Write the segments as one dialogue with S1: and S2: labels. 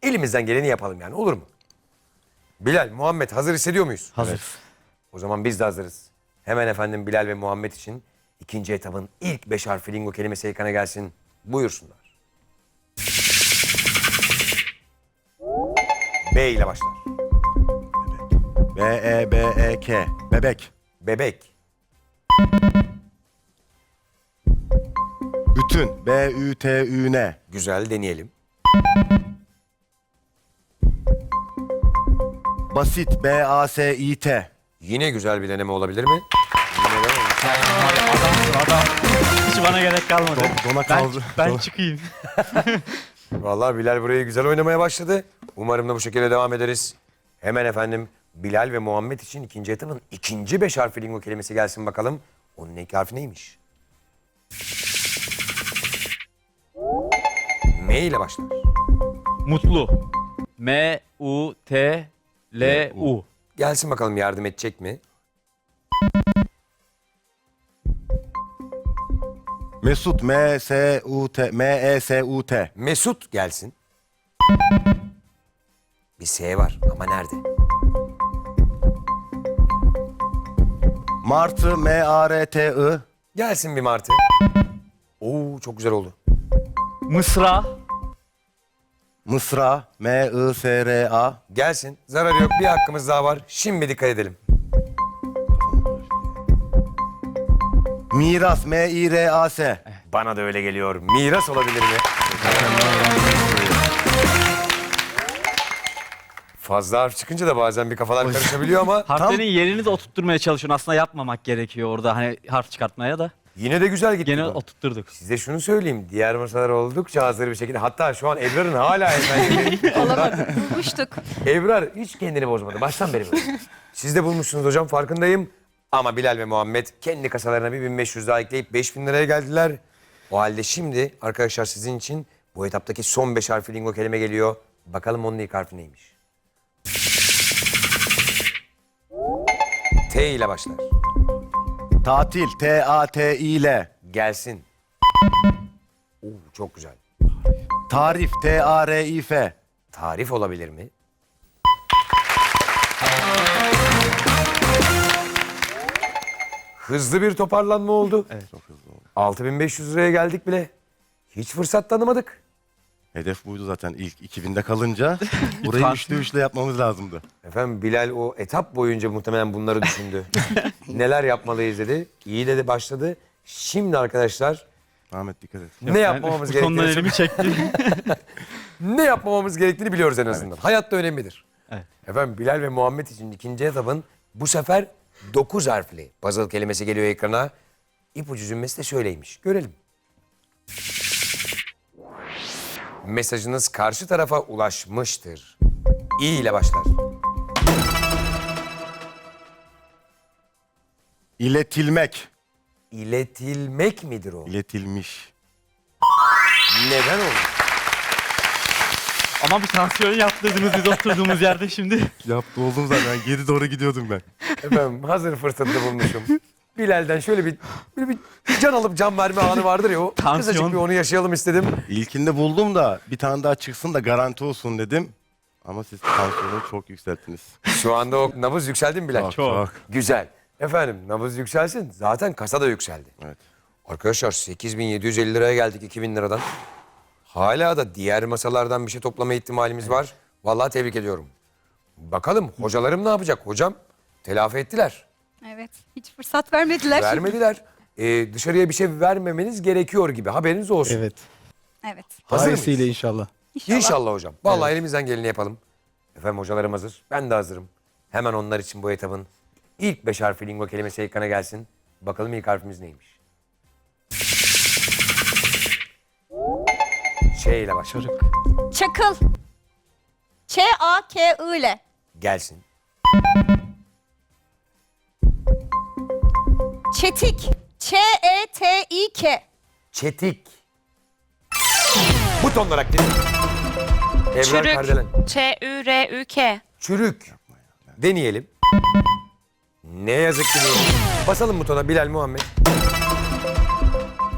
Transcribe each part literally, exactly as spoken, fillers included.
S1: elimizden geleni yapalım yani, olur mu? Bilal, Muhammed hazır hissediyor muyuz?
S2: Hazır.
S1: O zaman biz de hazırız. Hemen efendim Bilal ve Muhammed için ikinci etabın ilk beş harfli lingo kelimesi ekrana gelsin. Buyursunlar. B ile başlar.
S3: B E B E K. Bebek.
S1: Bebek.
S3: Bütün. B Ü T Ü N.
S1: Güzel, deneyelim.
S3: Basit. B A S İ T.
S1: Yine güzel bir deneme olabilir mi?
S2: Adamsın adam. Hiç bana gerek kalmadı.
S3: Don- dona
S2: ben,
S3: kaldı.
S2: ben
S3: Dona-
S2: çıkayım.
S1: Vallahi Bilal burayı güzel oynamaya başladı. Umarım da bu şekilde devam ederiz. Hemen efendim Bilal ve Muhammed için ikinci etabın ikinci beş harfli lingo kelimesi gelsin bakalım. Onun ilk harfi neymiş? M ile başlar.
S2: Mutlu. M U T L U.
S1: Gelsin bakalım, yardım edecek mi?
S3: Mesut. M S U T. M E S U T.
S1: Mesut gelsin. Bir S var ama nerede?
S3: Martı. M A R T I.
S1: Gelsin bir martı. Oo, çok güzel oldu.
S2: Mısra.
S3: Mısra. M I S R A.
S1: Gelsin. Zararı yok. Bir hakkımız daha var. Şimdi dikkat edelim.
S3: Miras. M İ R A S.
S1: Bana da öyle geliyor. Miras olabilir mi? Fazla harf çıkınca da bazen bir kafalar karışabiliyor ama
S2: Harflerin yerini de oturtturmaya çalışıyorsun. Aslında yapmamak gerekiyor orada hani harf çıkartmaya da.
S1: yine de güzel gitti.
S2: Gene
S1: bu.
S2: oturtturduk.
S1: Size şunu söyleyeyim. Diğer masalar oldukça hazır bir şekilde. Hatta şu an Ebrar'ın hala efendim.
S4: Olamadı. Bulmuştuk.
S1: Ebrar hiç kendini bozmadı. Baştan beri böyle. Siz de bulmuşsunuz hocam, farkındayım. Ama Bilal ve Muhammed kendi kasalarına bir bin beş yüz daha ekleyip beş bin liraya geldiler. O halde şimdi arkadaşlar sizin için bu etaptaki son beş harfli lingo kelime geliyor. Bakalım onun ilk harfi neymiş? T ile başlar.
S3: Tatil. T A T İ L.
S1: Gelsin. Oo, çok güzel.
S3: Tarif. T A R İ F.
S1: Tarif olabilir mi? Hızlı bir toparlanma oldu.
S2: Evet.
S1: altı bin beş yüz liraya geldik bile. Hiç fırsat tanımadık.
S3: Hedef buydu zaten ilk iki binde kalınca. Burayı
S2: Lütfen.
S3: üçlü üçlü yapmamız lazımdı.
S1: Efendim Bilal o etap boyunca muhtemelen bunları düşündü. Neler yapmalıyız dedi. İyi dedi, başladı. Şimdi arkadaşlar
S3: Ahmet dikkat et.
S1: ne yapmamamız
S2: Ben sondan
S1: gerektiğini
S2: elimi çektim.
S1: ne yapmamamız gerektiğini biliyoruz en azından. Hayatta önemlidir.
S2: Evet.
S1: Efendim Bilal ve Muhammed için ikinci etapın bu sefer dokuz harfli puzzle kelimesi geliyor ekrana. İpucu cümlesi de şöyleymiş. Görelim. Mesajınız karşı tarafa ulaşmıştır. İ ile başlar.
S3: İletilmek.
S1: İletilmek midir o?
S3: İletilmiş.
S1: Neden olur?
S2: Ama bir tansiyon yaptırdınız biz oturduğumuz yerde şimdi.
S3: Yaptı oldum zaten. Geri doğru gidiyordum ben.
S1: Efendim hazır fırsatını bulmuşum. Bilal'den şöyle bir, böyle bir can alıp can verme anı vardır ya, o
S2: Tansiyon.
S1: kısacık bir onu yaşayalım istedim.
S3: İlkinde buldum da bir tane daha çıksın da garanti olsun dedim. Ama siz tansiyonu çok yükselttiniz.
S1: Şu anda o nabız yükseldi mi Bilal?
S2: Çok.
S1: Güzel. Efendim nabız yükselsin. Zaten kasa da yükseldi.
S3: Evet.
S1: Arkadaşlar sekiz bin yedi yüz elli liraya geldik iki bin liradan. Hala da diğer masalardan bir şey toplama ihtimalimiz var. Vallahi tebrik ediyorum. Bakalım hocalarım ne yapacak? Hocam telafi ettiler.
S4: Evet. Hiç fırsat vermediler.
S1: Vermediler. Ee, dışarıya bir şey vermemeniz gerekiyor gibi. Haberiniz olsun.
S5: Evet.
S4: Evet.
S1: Hazır
S5: Hayırlısıyla
S1: mıyız?
S5: inşallah.
S4: İnşallah.
S1: İnşallah hocam. Vallahi elimizden geleni yapalım. Efendim hocalarım hazır. Ben de hazırım. Hemen onlar için bu etabın ilk beş harfli lingo kelimesi ekrana gelsin. Bakalım ilk harfimiz neymiş? Ç ile başlar.
S2: Çocuk.
S4: Çakıl. Ç A K I ile.
S1: Gelsin.
S4: Çetik. Ç E T İ K.
S1: Çetik. Buton olarak değil. Ebrar Kardelen.
S6: Çürük. Ç-Ü-R-Ü-K.
S1: Çürük. Deneyelim. Ne yazık ki değil. Basalım butona Bilal, Muhammed.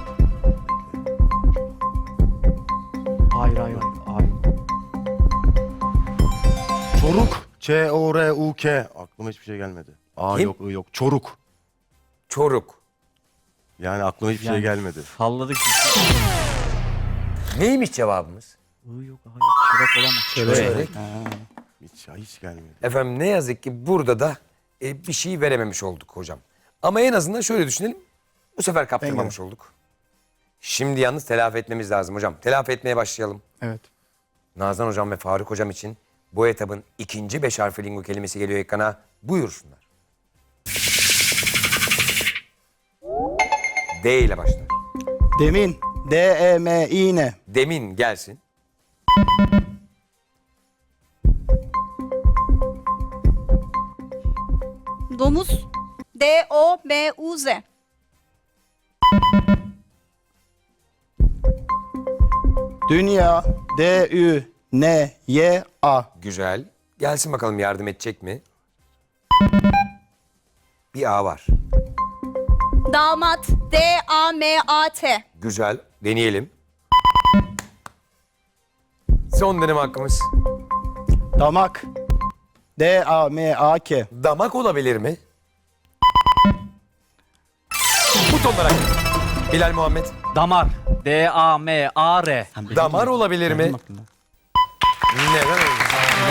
S2: Hayır hayır hayır.
S3: Çoruk. Ç O R U K. Aklıma hiçbir şey gelmedi. A
S1: Kim?
S3: yok, I yok. Çoruk.
S1: Çoruk.
S3: Yani aklıma hiçbir şey
S2: Yani
S3: gelmedi.
S2: Salladık.
S1: Neymiş cevabımız?
S2: I yok, hayır. Çörek olamaz.
S1: Çörek.
S3: Hiç, hiç gelmedi.
S1: Efendim ne yazık ki burada da e, bir şey verememiş olduk hocam. Ama en azından şöyle düşünelim. Bu sefer kaptırmamış olduk. Şimdi yalnız telafi etmemiz lazım hocam. Telafi etmeye başlayalım.
S5: Evet.
S1: Nazan hocam ve Faruk hocam için bu etabın ikinci beş harfli lingo kelimesi geliyor ekrana. Buyursunlar. D ile başlar.
S5: Demin. D E M İ N.
S1: Demin gelsin.
S4: Domuz. D O M U Z.
S5: Dünya. D Ü N Y A.
S1: Güzel. Gelsin bakalım yardım edecek mi? Bir A var.
S4: Damat. D A M A T.
S1: Güzel. Deneyelim. Son deneme hakkımız.
S5: Damak. D A M A K.
S1: Damak olabilir mi? Butonlara. Bilal Muhammed.
S2: Damar. D A M A R.
S1: Damar olabilir mi? Neden olmasın?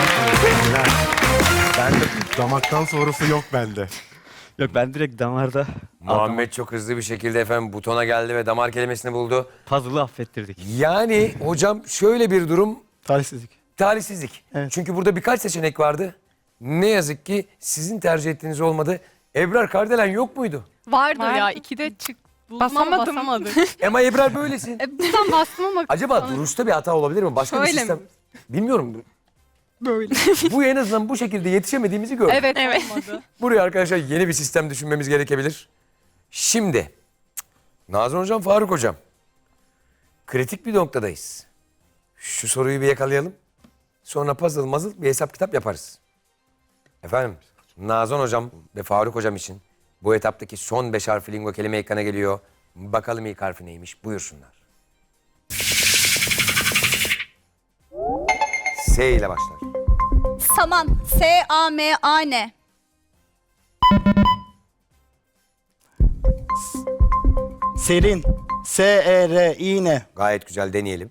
S3: Bende damaktan sonrası yok bende.
S2: Yok, ben direkt damarda
S1: Muhammed çok hızlı bir şekilde efendim butona geldi ve damar kelimesini buldu.
S2: puzzle'ı affettirdik.
S1: Yani hocam şöyle bir durum,
S5: Talihsizlik.
S1: talihsizlik.
S5: Evet.
S1: Çünkü burada birkaç seçenek vardı. Ne yazık ki sizin tercih ettiğiniz olmadı. Ebrar Kardelen yok muydu?
S7: Vardı,
S6: Vardı.
S7: ya ikide çık. Buldum ama
S6: Basamadım.
S7: basamadık.
S1: Ama Ebrar böylesin.
S7: e, buradan bastım ama
S1: Acaba duruşta bir hata olabilir mi? Başka bir
S7: Şöyle
S1: sistem.
S7: mi?
S1: Bilmiyorum.
S7: böyle.
S1: Bu en azından bu şekilde yetişemediğimizi gördük.
S7: Evet,
S6: Evet.
S7: olmadı.
S1: Buraya arkadaşlar yeni bir sistem düşünmemiz gerekebilir. Şimdi Nazan hocam, Faruk hocam. Kritik bir noktadayız. Şu soruyu bir yakalayalım. Sonra puzzle mazıl bir hesap kitap yaparız. Efendim Nazan hocam ve Faruk hocam için bu etaptaki son beş harfli lingo kelime ekrana geliyor. Bakalım ilk harfi neymiş, buyursunlar. S ile başlar.
S4: Saman. S A M A N.
S5: Serin. S E R İ N.
S1: Gayet güzel, deneyelim.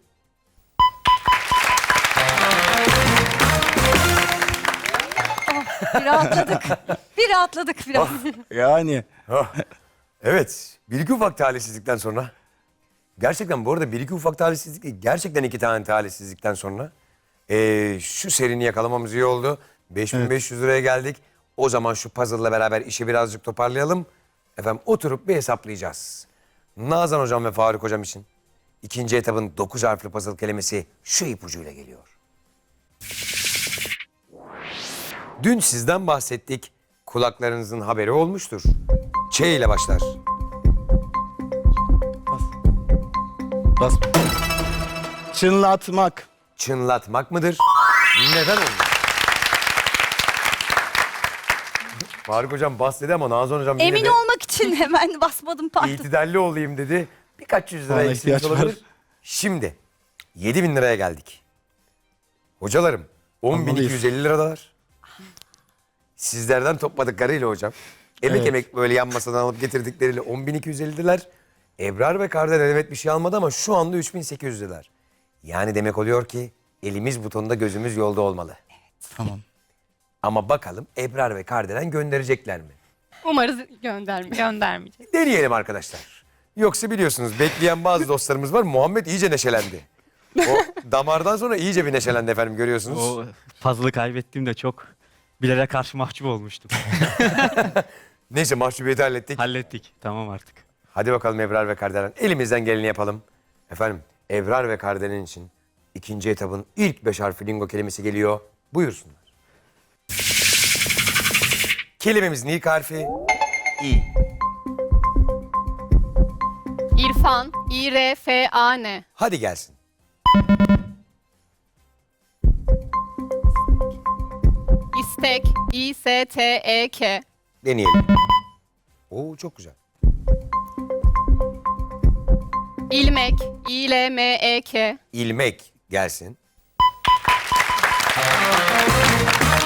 S4: Bir rahatladık. Bir rahatladık biraz.
S5: Yani.
S1: Evet, bir iki ufak talihsizlikten sonra. Gerçekten bu arada bir iki ufak talihsizlik değil, gerçekten iki tane talihsizlikten sonra eee, şu serini yakalamamız iyi oldu. beş bin beş yüz liraya geldik. O zaman şu puzzle'la beraber işi birazcık toparlayalım. Efendim oturup bir hesaplayacağız. Nazan hocam ve Faruk hocam için ikinci etapın dokuz harfli puzzle kelimesi şu ipucuyla geliyor. Dün sizden bahsettik. Kulaklarınızın haberi olmuştur. Ç ile başlar.
S5: Bas. Çınlatmak.
S1: Çınlatmak mıdır? Neden olmuş? Faruk hocam bas dedi ama Nazan hocam yine
S4: Emin
S1: de
S4: olmak için hemen basmadım, pardon.
S1: itidalli olayım dedi. Birkaç yüz lira
S5: Bana
S1: eksik
S5: ihtiyaç var.
S1: olabilir. Şimdi yedi bin liraya geldik. Hocalarım on bin iki
S5: Almalıyız.
S1: yüz elli liradalar. Sizlerden topladıklarıyla hocam. Emek
S5: Evet.
S1: emek böyle yan masadan alıp getirdikleriyle on bin iki yüz elli liralar. Ebrar ve Kardelen evet bir şey almadı ama şu anda üç bin sekiz yüz liralar. Yani demek oluyor ki elimiz butonda gözümüz yolda olmalı.
S5: Tamam.
S1: Ama bakalım Ebrar ve Kardelen gönderecekler mi?
S7: Umarız göndermiş.
S6: Göndermeyecek.
S1: Deneyelim arkadaşlar. Yoksa biliyorsunuz bekleyen bazı dostlarımız var. Muhammed iyice neşelendi. O damardan sonra iyice bir neşelendi efendim, görüyorsunuz.
S2: O puzzle'ı kaybettiğimde çok Bilal'e karşı mahcup olmuştum.
S1: Neyse mahcubiyeti hallettik.
S2: Hallettik. Tamam artık.
S1: Hadi bakalım Ebrar ve Kardelen. Elimizden geleni yapalım. Efendim Ebrar ve Kardelen için ikinci etabın ilk beş harfli lingo kelimesi geliyor. Buyursunlar. Kelimemizin ilk harfi İ.
S7: İrfan. İ R F A N.
S1: Hadi gelsin.
S7: İstek. İ S T E K.
S1: Deneyelim. Oo çok güzel.
S7: İlmek. İ L M E K.
S1: İlmek gelsin.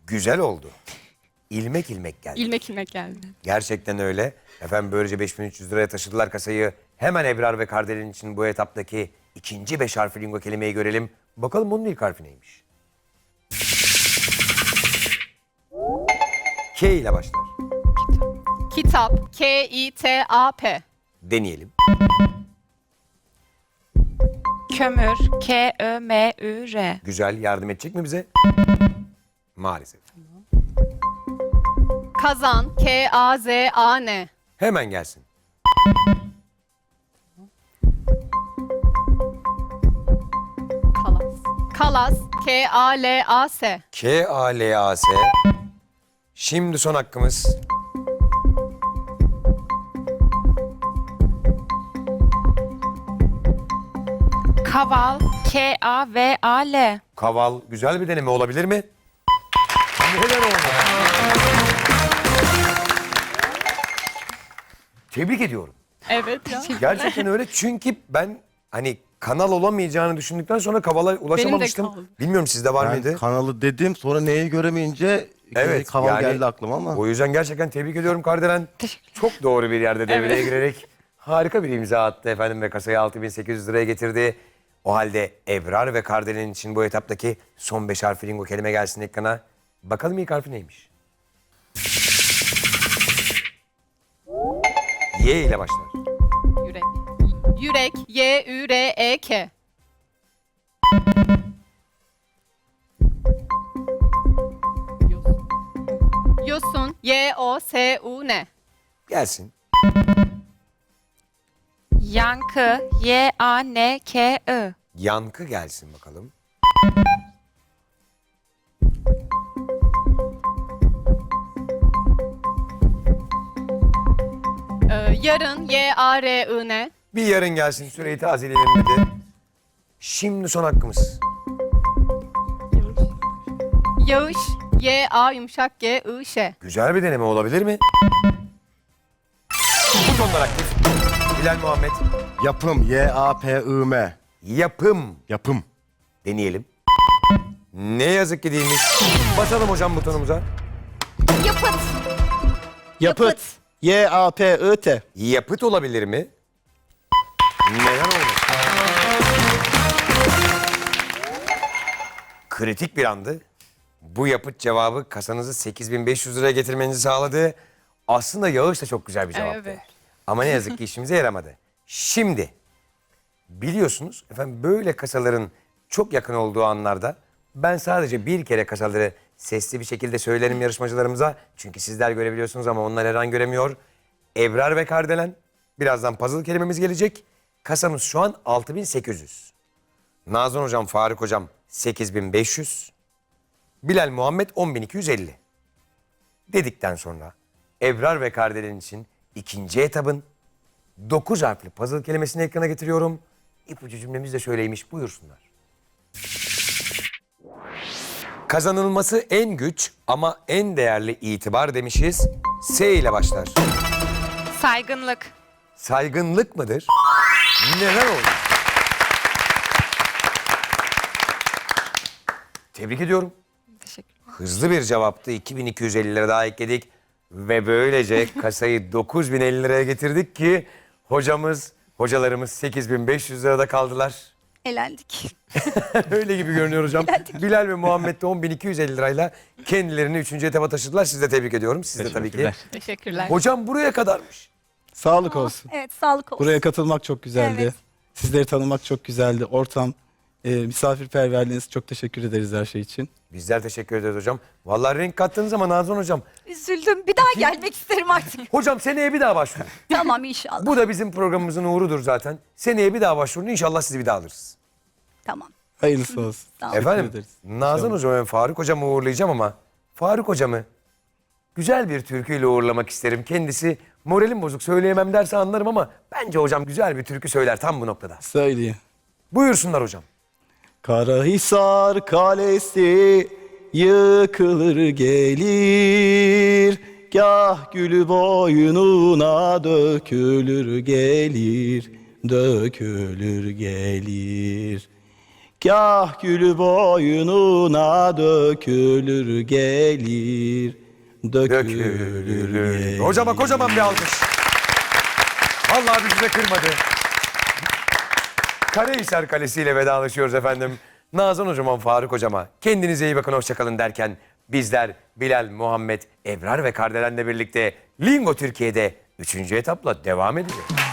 S1: Güzel oldu. İlmek ilmek geldi.
S7: İlmek ilmek geldi.
S1: Gerçekten öyle. Efendim böylece beş bin üç yüz liraya taşıdılar kasayı. Hemen Ebrar ve Kardelen için bu etaptaki ikinci beş harfli lingo kelimeyi görelim. Bakalım onun ilk harfi neymiş? K ile başlar.
S7: Kitap. K I T A P.
S1: Deneyelim.
S6: Kömür. K Ö M Ü R.
S1: Güzel. Yardım edecek mi bize? Maalesef.
S7: Kazan. K A Z A N.
S1: Hemen gelsin.
S7: Kalas. Kalas. K A L A S.
S1: K A L A S. Şimdi son hakkımız.
S6: Kaval. K A V A L.
S1: Kaval güzel bir deneme olabilir mi? Neden olmadı? Tebrik ediyorum.
S7: Evet ya.
S1: Gerçekten öyle çünkü ben hani kanal olamayacağını düşündükten sonra kavala ulaşamamıştım.
S7: kaldı.
S1: Bilmiyorum sizde var
S3: Ben
S1: mıydı?
S3: kanalı dedim sonra neyi göremeyince
S1: Evet,
S3: kaval
S1: yani
S3: geldi aklıma ama.
S1: O yüzden gerçekten tebrik ediyorum Kardelen. Çok doğru bir yerde devreye girerek harika bir imza attı efendim ve kasayı altı bin sekiz yüz liraya getirdi. O halde Ebrar ve Kardelen için bu etaptaki son beş harfli lingo kelime gelsin ekrana. Bakalım ilk harfi neymiş? Y ile başlar.
S7: Yürek. Yürek. Y Ü R E K. Yosun. Yosun. Y O S U N.
S1: Gelsin.
S6: Yankı. Y A N K I.
S1: Yankı gelsin bakalım.
S7: Ee, yarın. Y A R I N.
S1: Bir yarın gelsin süreyi tazeleyelim dedi. Şimdi son hakkımız.
S7: Yağış. Y A yumuşak G I Ş.
S1: Güzel bir deneme olabilir mi? Butonlar aktif. Bilal Muhammed.
S3: Yapım. Y A P I M.
S1: Yapım.
S3: Yapım.
S1: Deneyelim. Ne yazık ki değilmiş. Basalım hocam butonumuza.
S4: Yapıt.
S5: Yapıt. Y A P I T.
S1: Yapıt olabilir mi? Neden olmasın? Kritik bir andı. Bu yapıt cevabı kasanızı sekiz bin beş yüz liraya getirmenizi sağladı. Aslında Yağış da çok güzel bir cevaptı.
S7: Evet.
S1: Ama ne yazık ki işimize yaramadı. Şimdi biliyorsunuz efendim böyle kasaların çok yakın olduğu anlarda ben sadece bir kere kasaları sesli bir şekilde söylerim yarışmacılarımıza. Çünkü sizler görebiliyorsunuz ama onlar her an göremiyor. Ebrar ve Kardelen. Birazdan puzzle kelimemiz gelecek. Kasamız şu an altı bin sekiz yüz. Nazan hocam, Faruk hocam sekiz bin beş yüz. Bilal Muhammed on bin iki yüz elli. Dedikten sonra Ebrar ve Kardelen için ikinci etabın dokuz harfli puzzle kelimesini ekrana getiriyorum. İpucu cümlemiz de şöyleymiş, buyursunlar. Kazanılması en güç ama en değerli itibar demişiz. S ile başlar.
S6: Saygınlık.
S1: Saygınlık mıdır? Neden oldu? Tebrik ediyorum.
S6: Teşekkür.
S1: Hızlı bir cevaptı. iki bin iki yüz elli lira daha ekledik. Ve böylece kasayı dokuz bin elli liraya getirdik ki hocamız, hocalarımız sekiz bin beş yüz lirada kaldılar.
S4: Elendik.
S1: Öyle gibi görünüyor hocam. Bilal ve Muhammed de on bin iki yüz elli lirayla kendilerini üçüncü etaba taşıdılar. Sizi de tebrik ediyorum. Siz de tabii ki.
S2: Teşekkürler.
S7: Teşekkürler.
S1: Hocam buraya kadarmış.
S5: Sağlık olsun.
S4: Evet, sağlık olsun.
S5: Buraya katılmak çok güzeldi.
S4: Evet.
S5: Sizleri tanımak çok güzeldi. Ortam, e, misafirperverliğiniz, çok teşekkür ederiz her şey için.
S1: Bizler teşekkür ederiz hocam. Vallahi renk kattınız ama Nazan hocam.
S4: Üzüldüm. Bir daha gelmek isterim artık.
S1: Hocam seneye bir daha başvurun.
S4: Tamam inşallah.
S1: Bu da bizim programımızın uğrudur zaten. Seneye bir daha başvurun. İnşallah sizi bir daha alırız.
S4: Tamam.
S5: Hayırlısı olsun.
S4: Sağ olun.
S5: Teşekkür
S1: Efendim
S5: ederiz.
S1: Nazan hocam ve Faruk hocamı uğurlayacağım ama Faruk hocamı güzel bir türküyle uğurlamak isterim. Kendisi moralim bozuk söyleyemem derse anlarım ama bence hocam güzel bir türkü söyler tam bu noktada.
S5: Söyleyeyim.
S1: Buyursunlar hocam.
S5: Karahisar Kalesi yıkılır gelir, gah gülü boynuna dökülür gelir, dökülür gelir. Gah gülü boynuna dökülür gelir. Dökülür,
S1: Dökülür.
S5: gelir.
S1: Hocama kocaman bir alkış. Vallahi bizi de kırmadı. Karahisar Kalesi ile vedalaşıyoruz efendim. Nazan hocama, Faruk hocama kendinize iyi bakın, hoşçakalın derken bizler Bilal, Muhammed, Ebrar ve Kardelen'le birlikte Lingo Türkiye'de üçüncü etapla devam edeceğiz.